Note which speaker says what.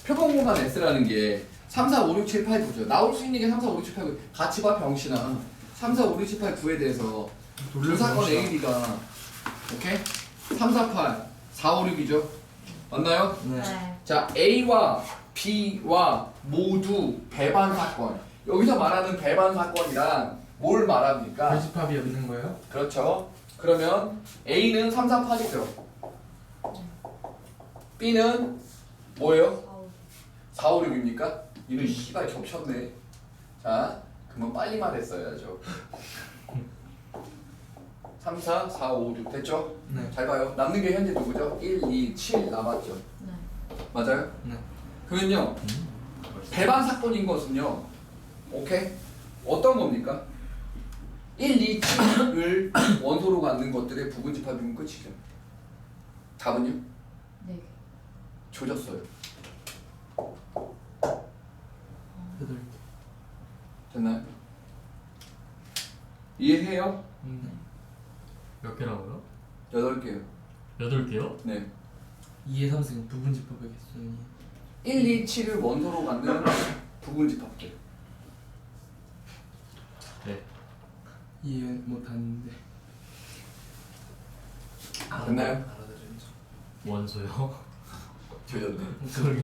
Speaker 1: 표본 공간 S라는 게 3, 4, 5, 6, 7, 8, 9죠. 나올 수 있는 게 3, 4, 5, 6, 7, 8, 9. 같이 봐 병신아. 3, 4, 5, 6, 7, 8, 9에 대해서 두 사건 A, B가 오케이? 3, 4, 8, 4, 5, 6이죠. 맞나요?
Speaker 2: 네.
Speaker 1: 자, A와 B와 모두 배반 사건. 여기서 말하는 배반 사건이란 뭘 말합니까?
Speaker 3: 결집합이 없는 거예요?
Speaker 1: 그렇죠. 그러면 A는 3, 4, 8이죠. B는 뭐예요? 4, 5, 6입니까? 이는 씨발 겹쳤네. 자, 그러면 빨리 말했어야죠. 3, 4, 4, 5, 6 됐죠?
Speaker 3: 네.
Speaker 1: 잘 봐요. 남는 게 현재 누구죠? 1, 2, 7 남았죠.
Speaker 2: 네.
Speaker 1: 맞아요?
Speaker 3: 네.
Speaker 1: 그러면요. 배반 사건인 것은요. 오케이? 어떤 겁니까? 1, 2, 7을 원소로 갖는 것들의 부분집합이면 끝이죠. 답은요?
Speaker 2: 네.
Speaker 1: 조졌어요.
Speaker 3: 8개.
Speaker 1: 됐나요? 이해해요?
Speaker 4: 몇 개라고요?
Speaker 1: 8개요.
Speaker 4: 8개요?
Speaker 1: 네.
Speaker 3: 2의 3승 부분집합의 개수는
Speaker 1: 1, 2, 7을 원소로 갖는 부분집합들.
Speaker 4: 네.
Speaker 3: 이해 못하는데.
Speaker 1: 됐나요?
Speaker 3: 알아들은 척.
Speaker 4: 원소요?
Speaker 1: 조졌네.
Speaker 4: 소리